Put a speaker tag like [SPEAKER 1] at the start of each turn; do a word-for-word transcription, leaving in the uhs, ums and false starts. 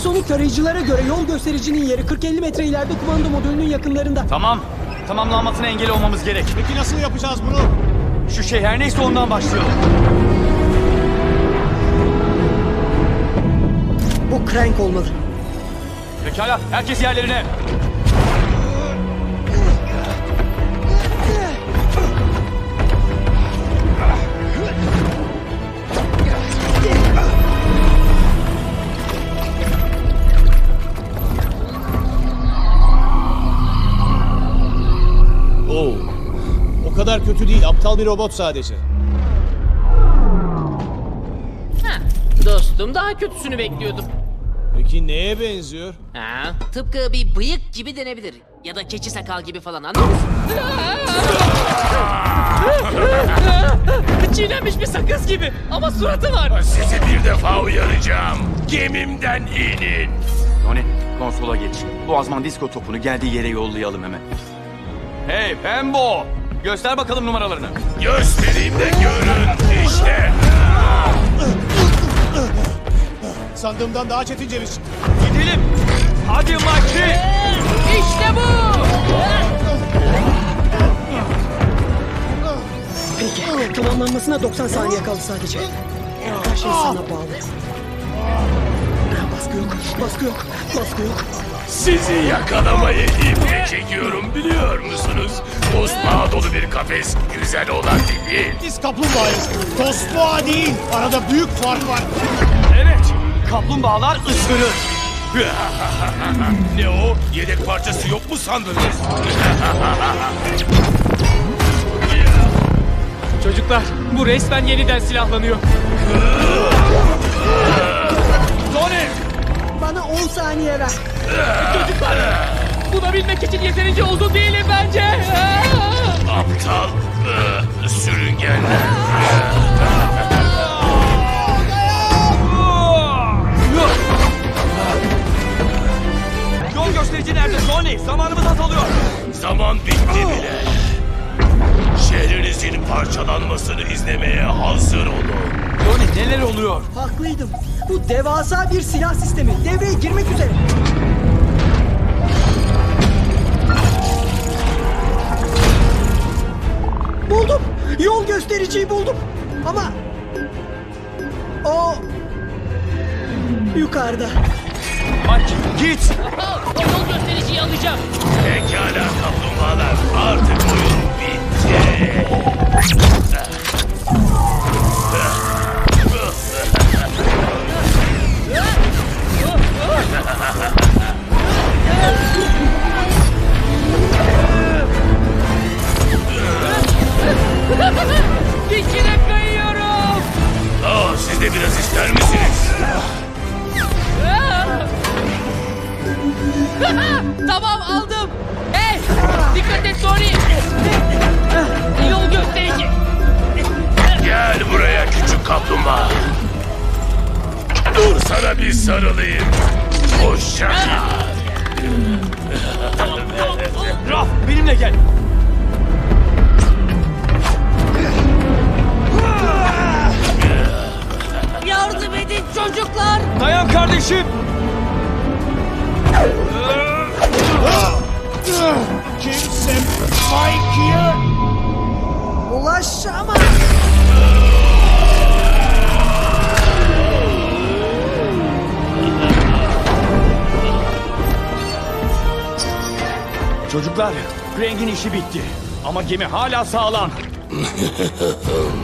[SPEAKER 1] Ultrasonik tarayıcılara göre yol göstericinin yeri kırk elli metre ileride kumanda modülünün yakınlarında.
[SPEAKER 2] Tamam. Tamamlanmasına engel olmamız gerek.
[SPEAKER 3] Peki nasıl yapacağız bunu?
[SPEAKER 2] Şu şey her neyse ondan başlayalım.
[SPEAKER 1] Bu Crank olmalı.
[SPEAKER 2] Pekala, herkes yerlerine.
[SPEAKER 3] Oo. O kadar kötü değil. Aptal bir robot sadece.
[SPEAKER 4] Ha, dostum daha kötüsünü bekliyordum.
[SPEAKER 3] Peki neye benziyor?
[SPEAKER 4] Ha, tıpkı bir bıyık gibi denebilir. Ya da keçi sakal gibi falan, anladın mı? Çiğnenmiş bir sakız gibi ama suratı var.
[SPEAKER 5] Sizi bir defa uyaracağım. Gemimden inin.
[SPEAKER 2] Tony, konsola geç. Bu azman disko topunu geldiği yere yollayalım hemen. Hey Pembo! Göster bakalım numaralarını.
[SPEAKER 5] Göstereyim de görün işte.
[SPEAKER 3] Sandığımdan daha çetin ceviz.
[SPEAKER 2] Gidelim. Hadi Maki.
[SPEAKER 4] İşte bu.
[SPEAKER 1] Peki, tamamlanmasına doksan saniye kaldı sadece. Her şey sana bağlı. Baskı yok, baskı yok, baskı yok.
[SPEAKER 5] Sizi yakalamayı iple çekiyorum biliyor musunuz? Tosbağa dolu bir kafes güzel olan değil.
[SPEAKER 3] Biz kaplumbağayız. Tosbağa değil. Arada büyük fark var.
[SPEAKER 2] Evet. Kaplumbağalar ısırır.
[SPEAKER 5] Ne o? Yedek parçası yok mu sandınız?
[SPEAKER 6] Çocuklar, bu resmen yeniden silahlanıyor.
[SPEAKER 2] Tony!
[SPEAKER 1] Bana on saniye ver.
[SPEAKER 6] Buna bilmek için yeterince uzun değilim bence.
[SPEAKER 5] Aptal ıı, sürüngenler.
[SPEAKER 2] Yol gösterici nerede Tony? Zamanımız azalıyor.
[SPEAKER 5] Zaman bitti bile. Şehrinizin parçalanmasını izlemeye hazır olun.
[SPEAKER 2] Tony neler oluyor?
[SPEAKER 1] Haklıydım. Bu devasa bir silah sistemi. Devreye girmek üzere. Buldum. Yol göstericiyi buldum. Ama o yukarıda.
[SPEAKER 2] Mike git.
[SPEAKER 4] O yol göstericiyi alacağım.
[SPEAKER 5] Pekala kaplumbağalar, artık oyun bitti.
[SPEAKER 4] İçine kayıyorum.
[SPEAKER 5] Aa, siz de biraz ister misiniz?
[SPEAKER 4] Tamam, aldım. Hey, dikkat et Tony. Yol gösterici.
[SPEAKER 5] Gel buraya küçük kaplumbağa. Dur sana bir sarılayım. Hoşça kal.
[SPEAKER 2] Raf benimle gel.
[SPEAKER 4] Yardım edin çocuklar.
[SPEAKER 2] Dayan kardeşim.
[SPEAKER 3] Kimse Mike'ye...
[SPEAKER 1] Ulaşamaz.
[SPEAKER 2] Çocuklar, Crank'in işi bitti. Ama gemi hala sağlam.